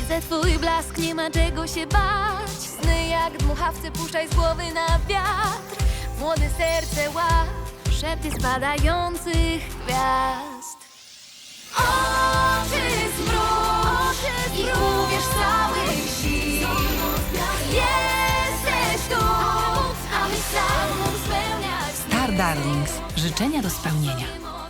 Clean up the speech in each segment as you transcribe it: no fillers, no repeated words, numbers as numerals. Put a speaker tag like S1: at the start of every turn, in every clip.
S1: Widzę twój blask, nie ma czego się bać. Sny jak dmuchawce puszczaj z głowy na wiatr. Młode serce łap, szepty spadających gwiazd. Oczy zmruż i uwierz całych sił. Jesteś tu, a my sam spełniać.
S2: Star Darlings. Życzenia do spełnienia.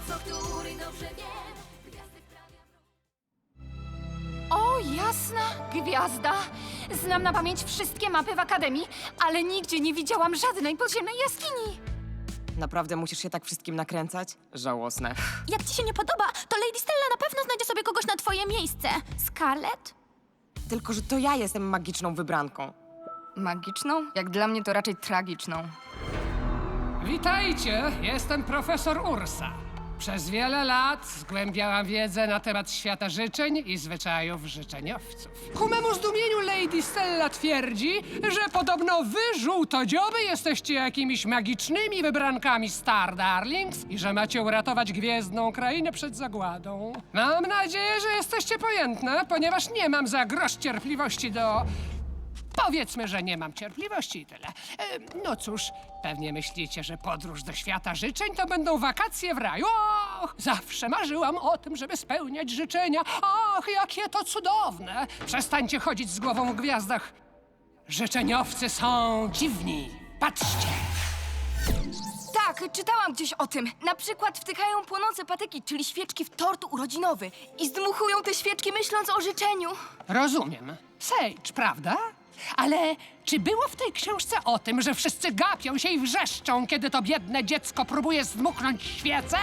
S3: O, jasna gwiazda! Znam na pamięć wszystkie mapy w Akademii, ale nigdzie nie widziałam żadnej podziemnej jaskini.
S4: Naprawdę musisz się tak wszystkim nakręcać? Żałosne.
S1: Jak ci się nie podoba, to Lady Stella na pewno znajdzie sobie kogoś na twoje miejsce. Scarlett?
S4: Tylko, że to ja jestem magiczną wybranką.
S3: Magiczną? Jak dla mnie to raczej tragiczną.
S5: Witajcie, jestem profesor Ursa. Przez wiele lat zgłębiałam wiedzę na temat świata życzeń i zwyczajów życzeniowców. Ku memu zdumieniu Lady Stella twierdzi, że podobno wy, żółtodzioby, jesteście jakimiś magicznymi wybrankami Star Darlings i że macie uratować gwiezdną krainę przed zagładą. Mam nadzieję, że jesteście pojętne, ponieważ nie mam za grosz cierpliwości do... Powiedzmy, że nie mam cierpliwości i tyle. No cóż, pewnie myślicie, że podróż do świata życzeń to będą wakacje w raju. Och, zawsze marzyłam o tym, żeby spełniać życzenia. Och, jakie to cudowne! Przestańcie chodzić z głową w gwiazdach. Życzeniowcy są dziwni. Patrzcie!
S3: Tak, czytałam gdzieś o tym. Na przykład wtykają płonące patyki, czyli świeczki w tort urodzinowy i zdmuchują te świeczki myśląc o życzeniu.
S5: Rozumiem. Sage, prawda? Ale czy było w tej książce o tym, że wszyscy gapią się i wrzeszczą, kiedy to biedne dziecko próbuje zdmuchnąć świecę?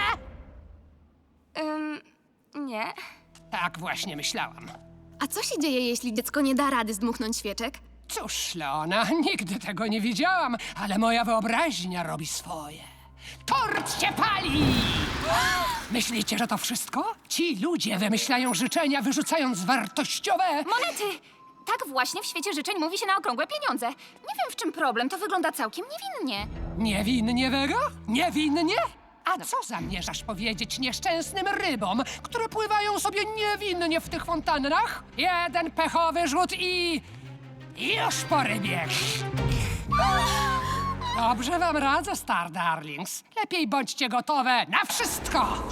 S3: Nie.
S5: Tak właśnie myślałam.
S1: A co się dzieje, jeśli dziecko nie da rady zdmuchnąć świeczek?
S5: Cóż, Leona, nigdy tego nie widziałam, ale moja wyobraźnia robi swoje. Tort się pali! Myślicie, że to wszystko? Ci ludzie wymyślają życzenia, wyrzucając wartościowe...
S3: Monety! Tak właśnie w świecie życzeń mówi się na okrągłe pieniądze. Nie wiem, w czym problem, to wygląda całkiem niewinnie.
S5: Niewinnie, Vega? Niewinnie? A co zamierzasz powiedzieć nieszczęsnym rybom, które pływają sobie niewinnie w tych fontannach? Jeden pechowy rzut i... już po rybie. Dobrze wam radzę, Star Darlings. Lepiej bądźcie gotowe na wszystko!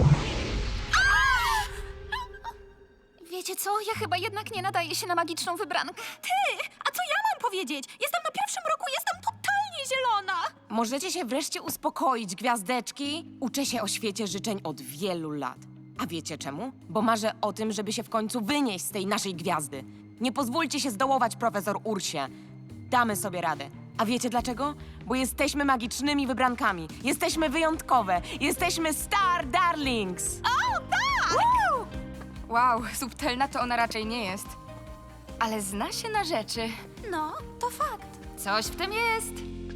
S3: Wiecie co? Ja chyba jednak nie nadaję się na magiczną wybrankę. Ty! A co ja mam powiedzieć? Jestem na pierwszym roku, jestem totalnie zielona!
S4: Możecie się wreszcie uspokoić, gwiazdeczki? Uczę się o świecie życzeń od wielu lat. A wiecie czemu? Bo marzę o tym, żeby się w końcu wynieść z tej naszej gwiazdy. Nie pozwólcie się zdołować, profesor Ursie. Damy sobie radę. A wiecie dlaczego? Bo jesteśmy magicznymi wybrankami. Jesteśmy wyjątkowe. Jesteśmy Star Darlings.
S3: O, tak! Wow, subtelna to ona raczej nie jest. Ale zna się na rzeczy.
S1: No, to fakt.
S3: Coś w tym jest.